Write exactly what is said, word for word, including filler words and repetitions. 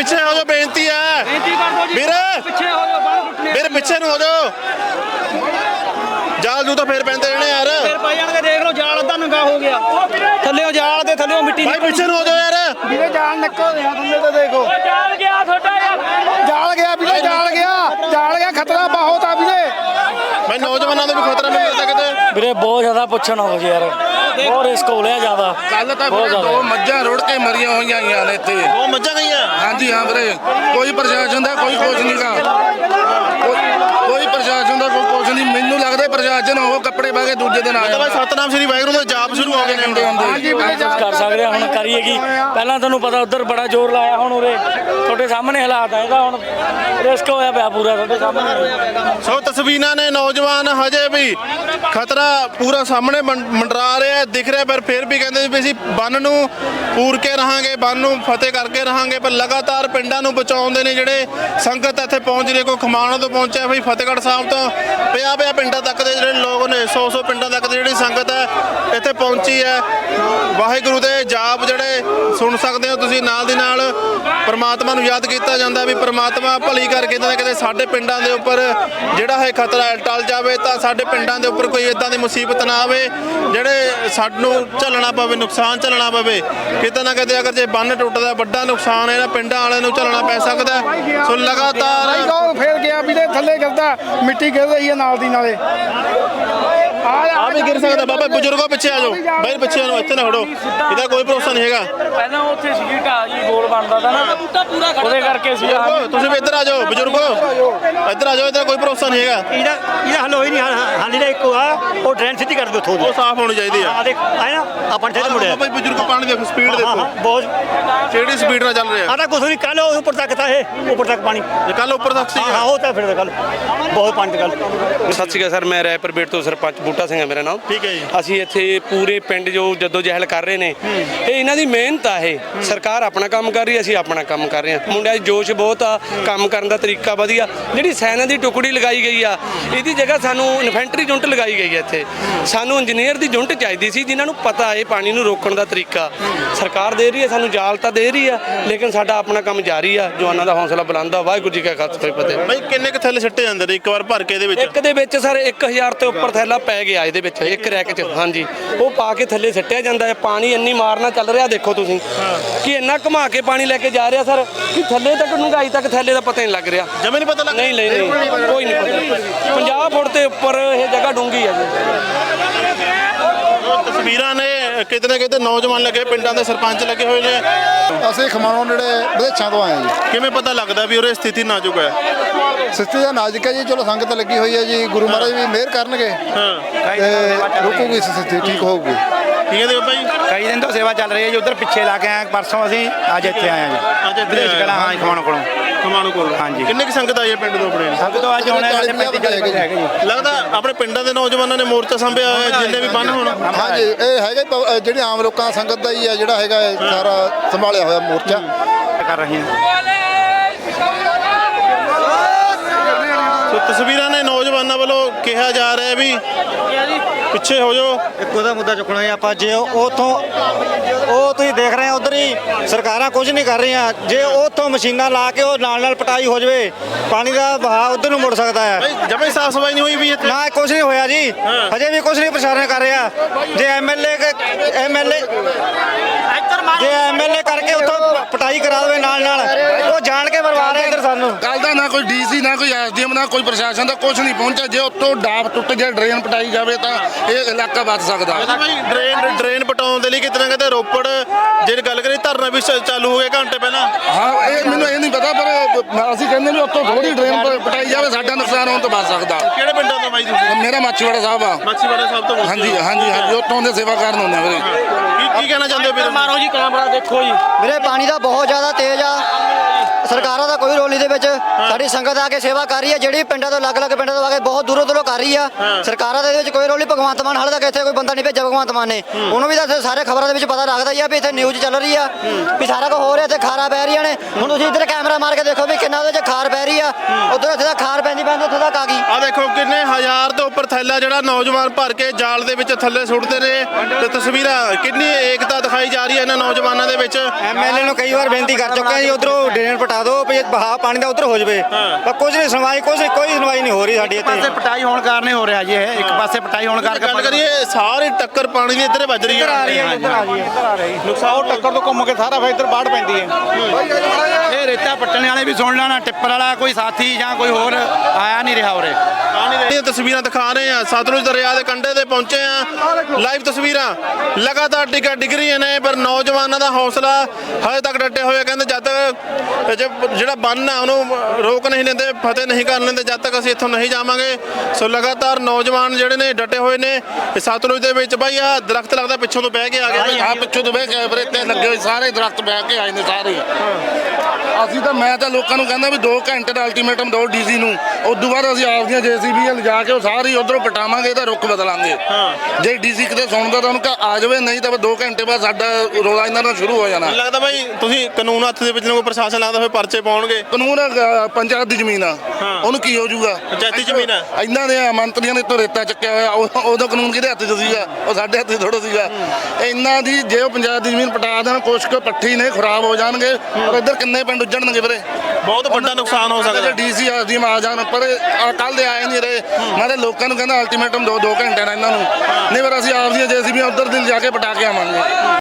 ਪਿੱਛੇ ਹੋ ਜਾਓ, ਬੇਨਤੀ ਹੈ ਵੀਰ, ਵੀਰ ਪਿੱਛੇ ਨੂੰ ਹੋ ਜਾਓ। ਜਾਲ ਜੂ ਤਾਂ ਫੇਰ ਪੈਂਦੇ ਰਹਿਣੇ ਯਾਰ, ਫੇਰ ਪੈ ਜਾਣਗੇ। ਦੇਖ ਲਓ ਜਾਲ ਅੱਧਾ ਨੰਗਾ ਹੋ ਗਿਆ, ਥੱਲੇੋਂ ਜਾਲ ਦੇ ਥੱਲੇੋਂ ਮਿੱਟੀ ਭਾਈ ਪਿੱਛੇ ਨੂੰ ਹੋ ਜਾਓ ਯਾਰ। ਵੀਰੇ ਜਾਲ ਨਿਕਲ ਰਿਹਾ ਥੱਲੇ ਤੇ ਦੇਖੋ, ਜਾਲ ਗਿਆ ਤੁਹਾਡਾ ਯਾਰ, ਜਾਲ ਗਿਆ ਵੀਰੇ, ਜਾਲ ਗਿਆ, ਜਾਲ ਗਿਆ, ਖਤਰਾ ਬਹੁਤ ਆ ਵੀਰੇ। ਭਾਈ ਨੌਜਵਾਨਾਂ ਨੂੰ ਵੀ ਖਤਰਾ ਨਹੀਂ ਮਿਲਦਾ ਕਿਤੇ ਵੀਰੇ ਬਹੁਤ ਜ਼ਿਆਦਾ ਪੁੱਛਣਾ ਹੋ ਯਾਰ, ਬਹੁਤ ਰਿਸਕ ਹੋ ਲਿਆ ਜ਼ਿਆਦਾ। ਕੱਲ ਤਾਂ ਵੀਰੇ ਦੋ ਮੱਝਾਂ ਰੁੜ ਕੇ ਮਰੀਆਂ ਹੋਈਆਂ ਗਈਆਂ ਨੇ ਇੱਥੇ। ਉਹ ਮੱਝਾਂ ਗਈਆਂ? ਹਾਂਜੀ ਹਾਂ ਵੀਰੇ, ਕੋਈ ਪ੍ਰਸ਼ਾਸਨ ਦਾ ਕੋਈ ਕੁਝ ਨਹੀਂ ਗਾ, ਕੋਈ ਪ੍ਰਸ਼ਾਸਨ ਦਾ ਕੋਈ ਕੁਝ ਨਹੀਂ। ਮੈਨੂੰ ਲੱਗਦਾ ਪ੍ਰਸ਼ਾਸਨ ਉਹ ਕੱਪੜੇ ਪਾ ਕੇ ਦੂਜੇ ਦਿਨ ਆਇਆ। ਭਾਈ ਸਤਨਾਮ ਸ਼੍ਰੀ ਵਾਹਿਗੁਰੂ ਦਾ ਜਾਪ ਸ਼ੁਰੂ ਹੋ ਗਏ ਨੇ ਹਾਂਜੀ ਕੁਝ ਕਰ ਸਕਦੇ ਹਾਂ, ਹੁਣ ਕਰੀਏ ਕੀ। ਪਹਿਲਾਂ ਤੁਹਾਨੂੰ ਪਤਾ ਉੱਧਰ ਬੜਾ ਜ਼ੋਰ ਲਾਇਆ, ਹੁਣ ਉਰੇ ਤੁਹਾਡੇ ਸਾਹਮਣੇ ਹਾਲਾਤ ਆ, ਇਹਦਾ ਹੁਣ ਰਿਸਕ ਹੋਇਆ ਪਿਆ ਪੂਰਾ ਤੁਹਾਡੇ ਸਾਹਮਣੇ। ਸੋ ਤਸਵੀਰਾਂ ਨੇ, ਨੌਜਵਾਨ ਹਜੇ ਵੀ ਖਤਰਾ ਪੂਰਾ ਸਾਹਮਣੇ ਮੰ- ਮੰਡਰਾ ਰਿਹਾ, ਦਿਖ ਰਿਹਾ, ਪਰ ਫਿਰ ਵੀ ਕਹਿੰਦੇ ਵੀ ਅਸੀਂ ਬੰਨ ਨੂੰ ਪੂਰ ਕੇ ਰਹਾਂਗੇ, ਬੰਨ ਨੂੰ ਫਤਿਹ ਕਰਕੇ ਰਹਾਂਗੇ। ਪਰ ਲਗਾਤਾਰ ਪਿੰਡਾਂ ਨੂੰ ਬਚਾਉਂਦੇ ਨੇ ਜਿਹੜੇ ਸੰਗਤ ਇੱਥੇ ਪਹੁੰਚ ਰਹੀ। ਕੋਈ ਖਮਾਣੋਂ ਤੋਂ ਪਹੁੰਚਿਆ, ਬਈ ਫਤਿਹਗੜ੍ਹ ਸਾਹਿਬ ਤੋਂ ਪਿਆ ਪਿਆ ਪਿੰਡਾਂ ਤੱਕ ਦੇ ਜਿਹੜੇ ਲੋਕ ਨੇ, ਸੌ ਸੌ ਪਿੰਡਾਂ ਤੱਕ ਦੀ ਜਿਹੜੀ ਸੰਗਤ ਹੈ ਇੱਥੇ ਪਹੁੰਚੀ ਹੈ। ਵਾਹਿਗੁਰੂ ਦੇ ਜਾਪ ਜਿਹੜੇ ਸੁਣ ਸਕਦੇ ਹੋ ਤੁਸੀਂ, ਨਾਲ ਦੀ ਨਾਲ ਪਰਮਾਤਮਾ ਨੂੰ ਯਾਦ ਕੀਤਾ ਜਾਂਦਾ ਵੀ ਪਰਮਾਤਮਾ ਭਲੀ ਕਰਕੇ ਕਿਤੇ ਨਾ ਕਿਤੇ ਸਾਡੇ ਪਿੰਡਾਂ ਦੇ ਉੱਪਰ ਜਿਹੜਾ ਹੈ ਖਤਰਾ ਟਲ ਜਾਵੇ, ਤਾਂ ਸਾਡੇ ਪਿੰਡਾਂ ਦੇ ਉੱਪਰ ਕੋਈ ਇਦਾਂ ਦੀ ਮੁਸੀਬਤ ਨਾ ਆਵੇ ਜਿਹੜੇ ਸਾਨੂੰ ਝੱਲਣਾ ਪਵੇ, ਨੁਕਸਾਨ ਝੱਲਣਾ ਪਵੇ। ਕਿਤੇ ਨਾ ਕਿਤੇ ਅਗਰ ਜੇ ਬੰਨ ਟੁੱਟਦਾ, ਵੱਡਾ ਨੁਕਸਾਨ ਇਹਨਾਂ ਪਿੰਡਾਂ ਵਾਲਿਆਂ ਨੂੰ ਝੱਲਣਾ ਪੈ ਸਕਦਾ। ਸੋ ਲਗਾਤਾਰ ਉਹ ਫੇਰ ਗਿਆ ਵੀਰੇ, ਥੱਲੇ ਗਿਰਦਾ, ਮਿੱਟੀ ਗਿਰ ਰਹੀ ਹੈ ਨਾਲ ਦੀ ਨਾਲੇ। ਆ ਵੀ ਗਿਰ ਸਕਦਾ। ਬਾਬਾ ਬਜ਼ੁਰਗੋ ਪਿੱਛੇ ਆ ਜਾਓ, ਬਾਈ ਪਿੱਛੇ ਨੂੰ, ਇੱਥੇ ਨਾ ਖੜੋ, ਇਹਦਾ ਕੋਈ ਭਰੋਸਾ ਨਹੀਂ ਹੈਗਾ। ਪਹਿਲਾਂ ਉੱਥੇ ਸੀਗੀ ਢਾਹ ਜੀ, ਗੋਲ ਬਣਦਾ ਤਾ ਨਾ, ਉਹਦੇ ਕਰਕੇ ਸੀ। ਤੁਸੀਂ ਵੀ ਇੱਧਰ ਆ ਜਾਓ ਬਜ਼ੁਰਗੋ, ਇੱਧਰ ਆ ਜਾਓ, ਇੱਧਰ ਕੋਈ ਭਰੋਸਾ ਨਹੀਂ ਹੈਗਾ। ਇਹਦਾ ਇਹਦਾ ਹੱਲ ਹੋਈ ਨਹੀਂ, ਹਾਲੀ ਦਾ ਇੱਕੋ ਆ, ਉਹ ਡਰੇਨ ਸਿੱਧੀ ਕਰ ਦਿਓ ਉੱਥੋਂ ਦੀ। ਉਹ ਸਾਫ਼ ਹੋਣੀ ਚਾਹੀਦੀ ਆ। ਆ ਦੇਖ ਆਏ ਨਾ, ਆਪਾਂ ਇੱਥੇ ਮੁੜਿਆ ਬਾਈ ਬਜ਼ੁਰਗੋ ਪਾਣੀ ਦੇਖੋ, ਸਪੀਡ ਹਾਂ ਦੇਖੋ ਹਾਂ ਬਹੁਤ। ਕਿਹੜੀ ਸਪੀਡ ਨਾਲ ਚੱਲ ਰਿਹਾ। ਆ ਤਾਂ ਕੁਛ ਨਹੀਂ, ਕੱਲ ਉਹ ਉੱਪਰ ਤੱਕ ਤਾਂ ਇਹ ਉੱਪਰ ਤੱਕ ਪਾਣੀ। ਜੇ ਕੱਲ ਉੱਪਰ ਤੱਕ ਸੀ। ਹਾਂ ਹਾਂ ਉਹ ਤਾਂ ਫਿਰ ਕੱਲ ਬਹੁਤ ਪਾਣੀ ਤੇ ਕੱਲ। ਸਤਿ ਸ਼੍ਰੀ ਅਕਾਲ ਸਰ, ਮੈਂ ਰਾਏਪੁਰ ਬੇਟ ਤੋਂ ਸਰਪੰਚ ਬੂਟਾ ਸਿੰਘ ਹੈ ਮੇਰਾ ਨਾਮ। ਠੀਕ ਹੈ ਜੀ। ਅਸੀਂ ਇੱਥੇ ਪੂਰੇ ਪਿੰਡ ਜੋ ਜੱਦੋ ਜਹਿਲ ਕਰ ਰਹੇ ਨੇ, ਇਹ ਇਹਨਾਂ ਦੀ ਮਿਹਨਤ ਆ। ਇਹ ਸਰਕਾਰ ਆਪਣਾ ਕੰਮ ਕਰ ਰਹੀ ਹੈ, ਅਸੀਂ ਆਪਣਾ ਕੰਮ ਕਰ ਰਹੇ ਹਾਂ। ਮੁੰਡਿਆਂ 'ਚ ਜੋਸ਼ ਬਹੁਤ ਆ, ਕੰਮ ਕਰਨ ਦਾ ਤਰੀਕਾ ਵਧੀਆ। ਜਿਹੜੀ ਸੈਨਾ ਦੀ ਟੁਕੜੀ ਲਗਾਈ ਗਈ ਆ, ਇਹਦੀ ਜਗ੍ਹਾ ਸਾਨੂੰ ਇਨਫੈਂਟਰੀ ਯੂਨਿਟ ਲਗਾਈ ਗਈ ਹੈ ਇੱਥੇ। ਸਾਨੂੰ ਇੰਜੀਨੀਅਰ ਦੀ ਯੂਨਿਟ ਚਾਹੀਦੀ ਸੀ ਜਿਨ੍ਹਾਂ ਨੂੰ ਪਤਾ ਹੈ ਪਾਣੀ ਨੂੰ ਰੋਕਣ ਦਾ ਤਰੀਕਾ। ਸਰਕਾਰ ਦੇ ਰਹੀ ਹੈ ਸਾਨੂੰ, ਜਾਲ ਤਾਂ ਦੇ ਰਹੀ ਆ, ਲੇਕਿਨ ਸਾਡਾ ਆਪਣਾ ਕੰਮ ਜਾਰੀ ਆ। ਜਵਾਨਾਂ ਦਾ ਹੌਸਲਾ ਬੁਲੰਦ ਆ। ਵਾਹਿਗੁਰੂ ਜੀ ਕਾ ਖਾਲਸਾ ਫਤਿਹ। ਬਾਈ ਕਿੰਨੇ ਕੁ ਥੱਲੇ ਸਿੱਟੇ ਜਾਂਦੇ ਨੇ ਇੱਕ ਵਾਰ ਭਰ ਕੇ? ਇਹਦੇ ਵਿੱਚ ਇੱਕ ਦੇ ਵਿੱਚ ਸਰ ਇੱਕ ਹਜ਼ਾਰ ਤੋਂ ਉੱਪਰ ਥੈਲਾ ਪੈ ਗਿਆ ਇਹਦੇ ਵਿੱਚ, ਇੱਕ ਰੈਕ 'ਚ। ਹਾਂਜੀ, ਉਹ ਪਾ ਕੇ ਥੱਲੇ ਸਿੱਟਿਆ ਜਾਂਦਾ ਹੈ। ਪਾਣੀ ਇੰਨੀ ਮਾਰਨਾ ਚੱਲ ਰਿਹਾ ਦੇਖੋ ਤੁਸੀਂ, ਕਿ ਇੰਨਾ ਘੁਮਾ ਕੇ ਪਾਣੀ ਲੈ ਕੇ ਜਾ ਰਿਹਾ ਸਰ, ਕਿ ਥੱਲੇ ਤੱਕ ਡੂੰਘਾਈ ਤੱਕ ਥੱਲੇ ਦਾ ਪਤਾ ਨਹੀਂ ਲੱਗ ਰਿਹਾ। ਜਮੇ ਨਹੀਂ ਪਤਾ ਲੱਗ ਨਹੀਂ ਨਹੀਂ ਨਹੀਂ ਕੋਈ ਨਹੀਂ ਪਤਾ। ਪੰਜਾਹ ਫੁੱਟ ਦੇ ਉੱਪਰ ਇਹ ਜਗ੍ਹਾ ਡੂੰਘੀ ਹੈ ਜੀ। ਤਸਵੀਰਾਂ ਨੇ, ਕਿਤੇ ਨਾ ਕਿਤੇ ਨੌਜਵਾਨ ਲੱਗੇ, ਪਿੰਡਾਂ ਦੇ ਸਰਪੰਚ ਲੱਗੇ ਹੋਏ ਨੇ। ਅਸੀਂ ਖਮਾਣੋਂ ਨੇੜੇ ਵਿਦੇਸ਼ਾਂ ਤੋਂ ਆਏ ਹਾਂ ਜੀ। ਕਿਵੇਂ ਪਤਾ ਲੱਗਦਾ ਵੀ ਉਰੇ ਸਥਿਤੀ ਨਾਜ਼ੁਕ ਹੈ? ਸਥਿਤੀ ਦਾ ਨਾਜ਼ੁਕ ਹੈ ਜੀ, ਚਲੋ ਸੰਗਤ ਲੱਗੀ ਹੋਈ ਹੈ ਜੀ, ਗੁਰੂ ਮਹਾਰਾਜ ਵੀ ਮਿਹਰ ਕਰਨਗੇ ਤੇ ਰੁਕੂਗੀ ਸਥਿਤੀ, ਠੀਕ ਹੋਊਗੀ। ਕੀ ਕਹਿੰਦੇ ਬਾਬਾ ਜੀ? ਕਈ ਦਿਨ ਤੋਂ ਸੇਵਾ ਚੱਲ ਰਹੀ ਹੈ ਜੀ। ਉਧਰ ਪਿੱਛੇ ਲਾ ਕੇ ਆਏ ਪਰਸੋਂ, ਅਸੀਂ ਅੱਜ ਇੱਥੇ ਆਏ ਹਾਂ ਜੀ। ਅੱਜ ਇੱਥੇ ਵਿਦੇਸ਼ ਕਲਾ ਹਾਂ ਖਮਾਣੋਂ ਕੋਲੋਂ। ਖਮਾਣੋਂ ਕੋਲ। ਹਾਂਜੀ। ਕਿੰਨੇ ਕੁ ਸੰਗਤ ਆਈ ਹੈ ਪਿੰਡ ਤੋਂ ਆਪਣੇ? ਸਭ ਤੋਂ ਅੱਜ ਹੋਣੇ ਸਾਡੇ ਪੈਂਤੀ ਚਾਲੀ ਬੰਦੇ ਹੈਗੇ ਜੀ। ਲੱਗਦਾ ਆਪਣੇ ਪਿੰਡਾਂ ਦੇ ਨੌਜਵਾਨਾਂ ਨੇ ਮੋਰਚਾ ਸੰਭਿਆ ਹੋਇਆ, ਜਿੰਨੇ ਵੀ ਬੰਨ ਹੋਣ। ਹਾਂਜੀ, ਇਹ ਹੈਗਾ ਪ- ਜਿਹੜੀ ਆਮ ਲੋਕਾਂ ਦਾ ਸੰਗਤ ਦਾ ਹੀ ਹੈ, ਜਿਹੜਾ ਹੈਗਾ ਇਹ ਸਾਰਾ ਸੰਭਾਲਿਆ ਹੋਇਆ ਮੋਰਚਾ ਕਰ ਰਹੇ ਹਾਂ। ਸੋ ਤਸਵੀਰਾਂ ਨੇ, ਨੌਜਵਾਨਾਂ ਵੱਲੋਂ ਕਿਹਾ ਜਾ ਰਿਹਾ ਵੀ ਪਿੱਛੇ ਹੋ ਜਾਓ। ਇੱਕ ਉਹਦਾ ਮੁੱਦਾ ਚੁੱਕਣਾ ਹੈ ਆਪਾਂ। ਜੇ ਉਥੋਂ ਉਹ ਤੁਸੀਂ ਦੇਖ ਰਹੇ ਹੋ ਉਧਰ ਹੀ ਸਰਕਾਰਾਂ ਕੁਝ ਨਹੀਂ ਕਰ ਰਹੀਆਂ। ਜੇ ਉਥੋਂ ਮਸ਼ੀਨਾਂ ਲਾ ਕੇ ਉਹ ਨਾਲ ਨਾਲ ਪਟਾਈ ਹੋ ਜਾਵੇ, ਪਾਣੀ ਦਾ ਵਹਾਅ ਉਧਰ ਨੂੰ ਮੁੜ ਸਕਦਾ ਹੈ। ਬਾਈ ਜਮੇ ਸਾਫ ਸਫਾਈ ਨਹੀਂ ਹੋਈ ਵੀ ਇੱਥੇ? ਨਾ ਕੁਝ ਨਹੀਂ ਹੋਇਆ ਜੀ, ਹਜੇ ਵੀ ਕੁਝ ਨਹੀਂ ਪ੍ਰਸ਼ਾਸਨ ਕਰ ਰਿਹਾ। ਜੇ ਐਮਐਲਏ ਐਮਐਲਏ ਜੇ ਐਮਐਲਏ ਕਰਕੇ ਉਥੋਂ ਪਟਾਈ ਕਰਾ ਦੇਵੇ ਨਾਲ ਨਾਲ, ਉਹ ਜਾਣ ਕੇ ਮਰਵਾ ਰਿਹਾ ਇੱਧਰ ਸਾਨੂੰ। ਕੱਲ ਦਾ ਨਾ ਕੋਈ ਡੀਸੀ, ਨਾ ਕੋਈ ਐਸਡੀਐਮ, ਨਾ ਕੋਈ ਪ੍ਰਸ਼ਾਸਨ ਦਾ ਕੁਝ ਨਹੀਂ ਪਹੁੰਚਿਆ। ਜੇ ਉੱਤੋਂ ਡਾਬ ਟੁੱਟ ਗਿਆ, ਡਰੇਨ ਪਟਾਈ ਜਾਵੇ ਤਾਂ ਇਹ ਇਲਾਕਾ ਬਚ ਸਕਦਾ। ਬਾਈ ਡਰੇਨ ਡਰੇਨ ਪਟਾਉਣ ਦੇ ਲਈ ਕਿਤੇ ਨਾ ਕਿਤੇ ਰੋਪੜ ਜੇ ਗੱਲ ਕਰੀ ਧਰਨਾ ਵੀ ਚ- ਚਾਲੂ ਹੋ ਗਿਆ ਘੰਟੇ ਪਹਿਲਾਂ। ਹਾਂ, ਇਹ ਮੈਨੂੰ ਇਹ ਨਹੀਂ ਪਤਾ, ਪਰ ਅਸੀਂ ਕਹਿੰਦੇ ਵੀ ਉੱਤੋਂ ਥੋੜੀ ਡਰੇਨ ਪ- ਪਟਾਈ ਜਾਵੇ, ਸਾਡਾ ਨੁਕਸਾਨ ਹੋਣ ਤੋਂ ਬਚ ਸਕਦਾ। ਕਿਹੜੇ ਪਿੰਡਾਂ ਤੋਂ ਬਾਈ ਤੁਸੀਂ? ਮੇਰਾ ਮਾਛੀਵਾੜਾ ਸਾਹਿਬ ਆ। ਮਾਛੀਵਾੜਾ ਸਾਹਿਬ ਤੋਂ? ਹਾਂਜੀ ਹਾਂਜੀ ਹਾਂਜੀ, ਉੱਥੋਂ ਦੇ ਸੇਵਾ ਕਰਨ ਹੁੰਦੇ ਆ ਵੀਰੇ। ਕੀ ਕੀ ਕਹਿਣਾ ਚਾਹੁੰਦੇ ਹੋ ਵੀਰ? ਮਾਰੋ ਜੀ ਕੈਮਰਾ ਦੇਖੋ ਜੀ। ਵੀਰੇ ਪਾਣੀ ਦਾ ਬਹੁਤ ਜ਼ਿਆਦਾ ਤੇਜ਼ ਆ। ਸਰਕਾਰਾਂ ਦਾ ਕੋਈ ਰੋਲ ਇਹਦੇ ਵਿੱਚ। ਸਾਡੀ ਸੰਗਤ ਆ ਕੇ ਸੇਵਾ ਕਰ ਰਹੀ ਹੈ, ਜਿਹੜੀ ਪਿੰਡਾਂ ਤੋਂ ਅਲੱਗ-ਅਲੱਗ ਪਿੰਡਾਂ ਤੋਂ ਆ ਕੇ ਬਹੁਤ ਦੂਰੋਂ ਦੂਰੋਂ ਕਰ ਰਹੀ ਆ। ਸਰਕਾਰਾਂ ਦਾ ਇਹਦੇ ਵਿੱਚ ਕੋਈ ਰੋਲ ਨਹੀਂ। ਭਗਵੰਤ ਮਾਨ ਹਾਲੇ ਤੱਕ ਇੱਥੇ ਕੋਈ ਬੰਦਾ ਨਹੀਂ ਭੇਜਿਆ ਭਗਵੰਤ ਮਾਨ ਨੇ। ਉਹਨੂੰ ਵੀ ਤਾਂ ਸਾਰੇ ਖਬਰਾਂ ਦੇ ਵਿੱਚ ਪਤਾ ਲੱਗਦਾ ਹੀ ਆ ਵੀ ਇੱਥੇ ਨਿਊਜ਼ ਚੱਲ ਰਹੀ ਆ ਵੀ ਸਾਰਾ ਕੁਝ ਹੋ ਰਿਹਾ, ਤੇ ਖਾਰਾ ਪੈ ਰਹੀਆਂ ਨੇ। ਹੁਣ ਤੁਸੀਂ ਇੱਧਰ ਕੈਮਰਾ ਮਾਰ ਕੇ ਦੇਖੋ ਵੀ ਕਿੰਨਾ ਉਹਦੇ 'ਚ ਖਾਰ ਪੈ ਰਹੀ ਆ। ਉੱਧਰ ਇੱਥੇ ਦਾ ਖਾਰ ਪੈਂਦੀ ਪੈਂਦੀ ਉੱਥੇ ਤੱਕ ਆ ਗਈ। ਆ ਦੇਖੋ ਕਿੰਨੇ ਹਜ਼ਾਰ ਤੋਂ ਉੱਪਰ ਥੈਲਾ ਜਿਹੜਾ ਨੌਜਵਾਨ ਭਰ ਕੇ ਜਾਲ ਦੇ ਵਿੱਚ ਥੱਲੇ ਸੁੱਟਦੇ ਨੇ, ਤੇ ਤਸਵੀਰਾਂ ਕਿੰਨੀ ਏਕਤਾ ਦਿਖਾਈ ਜਾ ਰਹੀ ਹੈ ਇਹਨਾਂ ਨੌਜਵਾਨਾਂ ਦੇ ਵਿੱਚ। ਐਮਐਲਏ ਨੂੰ ਕਈ ਵਾਰ ਬੇਨਤੀ ਕਰ ਚੁੱਕੇ ਆ ਜੀ, ਉਧਰੋਂ ਡਰੇਨ ਪਟਾ ਦਿਓ ਵੀ ਬਹਾ ਪਾਣੀ ਦਾ ਉਧਰ ਹੋ ਜਾਵੇ, ਪਰ ਕੁਝ ਨਹੀਂ ਸੁਣਵਾਈ, ਕੁਝ ਕੋਈ ਸੁਣਵਾਈ ਨਹੀਂ ਹੋ ਰਹੀ ਸਾਡੀ ਪਾਸੇ ਇੱਥੇ। ਪਟਾਈ ਹੋਣ ਕਾਰਨ ਹੀ ਹੋ ਰਿਹਾ ਜੀ ਇਹ। ਇੱਕ ਪਾਸੇ ਪਟਾਈ ਹੋਣ ਕਰਕੇ ਗੱਲ ਕਰੀਏ ਸਾਰੀ ਟੱਕਰ ਪਾਣੀ ਦੀ ਇੱਧਰ ਵੱਜ ਰਹੀ ਇੱਧਰ ਆ ਰਹੀ ਹੈ। ਹੈ, ਇੱਧਰ ਆ ਰਹੀ ਹੈ, ਇੱਧਰ ਆ ਰਹੀ ਹੈ। ਨੁਕਸਾਨ ਟੱਕਰ ਤੋਂ ਘੁੰਮ ਕੇ ਸਾਰਾ ਫਿਰ ਇੱਧਰ ਬਾੜ ਪੈਂਦੀ ਹੈ। ਇਹ ਰੇਤਾ ਪੱਟਣ ਵਾਲੇ ਵੀ ਸੁਣ ਲੈਣਾ, ਟਿੱਪਰ ਵਾਲਾ ਕੋਈ ਸਾਥੀ ਜਾਂ ਕੋਈ ਹੋਰ ਆਇਆ ਨਹੀਂ ਰਿਹਾ ਉਰੇ। ਇਹ ਤਸਵੀਰਾਂ ਦਿਖਾ ਰਹੇ ਆ, ਸਤਲੁਜ ਦਰਿਆ ਦੇ ਕੰਢੇ ਤੇ ਪਹੁੰਚੇ ਆ। ਲਾਈਵ ਤਸਵੀਰਾਂ ਲਗਾਤਾਰ ਟਿਕਾ ਡਿੱਗ ਰਹੀਆਂ ਨੇ, ਪਰ ਨੌਜਵਾਨਾਂ ਦਾ ਹੌਸਲਾ ਹਜੇ ਤੱਕ ਡਟੇ ਹੋਏ। ਕਹਿੰਦੇ ਜਦ ਤੱਕ ਜੇ- ਜਿਹੜਾ ਬੰਨ ਆ ਉਹਨੂੰ ਰੋਕ ਨਹੀਂ ਲੈਂਦੇ, ਫਤਿਹ ਨਹੀਂ ਕਰ ਲੈਂਦੇ, ਜਦ ਤੱਕ ਅਸੀਂ ਇੱਥੋਂ ਨਹੀਂ ਜਾਵਾਂਗੇ। ਸੋ ਲਗਾਤਾਰ ਨੌਜਵਾਨ ਜਿਹੜੇ ਨੇ ਡਟੇ ਹੋਏ ਨੇ। ਇਹ ਸਤਲੁਜ ਦੇ ਵਿੱਚ ਬਾਈ ਆ ਦਰਖਤ ਲੱਗਦਾ ਪਿੱਛੋਂ ਤੋਂ ਬਹਿ ਕੇ ਆ ਗਿਆ। ਆ ਪਿੱਛੋਂ ਤੋਂ ਬਹਿ ਕੇ ਬਰੇ ਤੇ ਲੱਗੇ ਹੋਏ ਸਾਰੇ ਦਰਖਤ ਬਹਿ ਕੇ ਆਏ ਨੇ ਸਾਰੇ। ਅਸੀਂ ਤਾਂ ਮੈਂ ਤਾਂ ਲੋਕਾਂ ਨੂੰ ਕਹਿੰਦਾ ਵੀ ਦੋ ਘੰਟੇ ਦਾ ਅਲਟੀਮੇਟਮ ਦਿਓ ਡੀਸੀ ਨੂੰ। ਉਦੋਂ ਬਾਅਦ ਅਸੀਂ ਆਪਦੀਆਂ ਜੇਸੀਬੀ ਲਿਜਾ ਕੇ ਉਹ ਸਾਰੀ ਉਧਰੋਂ ਪਟਾਵਾਂਗੇ ਤਾਂ ਰੁੱਖ ਬਦਲਾਂਗੇ। ਜੇ ਡੀਸੀ ਕਿਤੇ ਸੁਣਦਾ ਤਾਂ ਉਹਨੂੰ ਕਹ ਆ ਜਾਵੇ, ਨਹੀਂ ਤਾਂ ਦੋ ਘੰਟੇ ਬਾਅਦ ਸਾਡਾ ਰੌਲਾ ਇਹਨਾਂ ਨਾਲ ਸ਼ੁਰੂ ਹੋ ਜਾਣਾ। ਲੱਗਦਾ ਬਾਈ ਤੁਸੀਂ ਕਾਨੂੰਨ ਹੱਥ ਦੇ ਵਿੱਚ ਨੂੰ ਕੋਈ ਪ੍ਰਸ਼ਾਸਨ ਲੱਗਦਾ ਫਿਰ ਪਰਚੇ ਪਾਉਣਗੇ। ਕਾਨੂੰਨ ਅ, ਪੰਚਾਇਤ ਦੀ ਜ਼ਮੀਨ ਆ, ਉਹਨੂੰ ਕੀ ਹੋ ਜਾਊਗਾ? ਪੰਚਾਇਤੀ ਜ਼ਮੀਨ ਆ। ਇਹਨਾਂ ਦੇ ਮੰਤਰੀਆਂ ਨੇ ਤੋਂ ਰੇਤਾ ਚੱਕਿਆ ਹੋਇਆ, ਉਹ- ਉਦੋਂ ਕਾਨੂੰਨ ਕਿਹਦੇ ਹੱਥ 'ਚ ਸੀਗਾ? ਉਹ ਸਾਡੇ ਹੱਥ 'ਚ ਥੋੜ੍ਹਾ ਸੀਗਾ। ਇਹਨਾਂ ਦੀ ਜੇ ਉਹ ਪੰਚਾਇਤ ਦੀ ਜ਼ਮੀਨ ਪਟਾ ਦੇਣ, ਕੁਛ ਕੁ ਪੱਠੀ ਨੇ ਖਰਾਬ ਹੋ ਜਾਣਗੇ, ਪਰ ਇੱਧਰ ਕਿੰਨੇ ਪਿੰਡ ਉੱਜਣਗੇ ਵੀਰੇ। ਬਹੁਤ ਵੱਡਾ ਨੁਕਸਾਨ ਹੋ ਸਕਦਾ। ਡੀਸੀ ਆਦੀ ਆ ਜਾਣ, ਪਰ ਕੱਲ ਦੇ ਆਏ ਨਹੀਂ ਰਹੇ। ਮੈਂ ਤਾਂ ਲੋਕਾਂ ਨੂੰ ਕਹਿੰਦਾ ਅਲਟੀਮੇਟਮ ਦੋ ਦੋ ਘੰਟੇ ਨਾਲ ਇਹਨਾਂ ਨੂੰ, ਨਹੀਂ ਪਰ ਅਸੀਂ ਆਪਦੀਆਂ ਜੇਸੀਬੀਆਂ ਉੱਧਰ ਦਿਨ ਜਾ ਕੇ ਪਟਾ ਕੇ ਆਵਾਂਗੇ।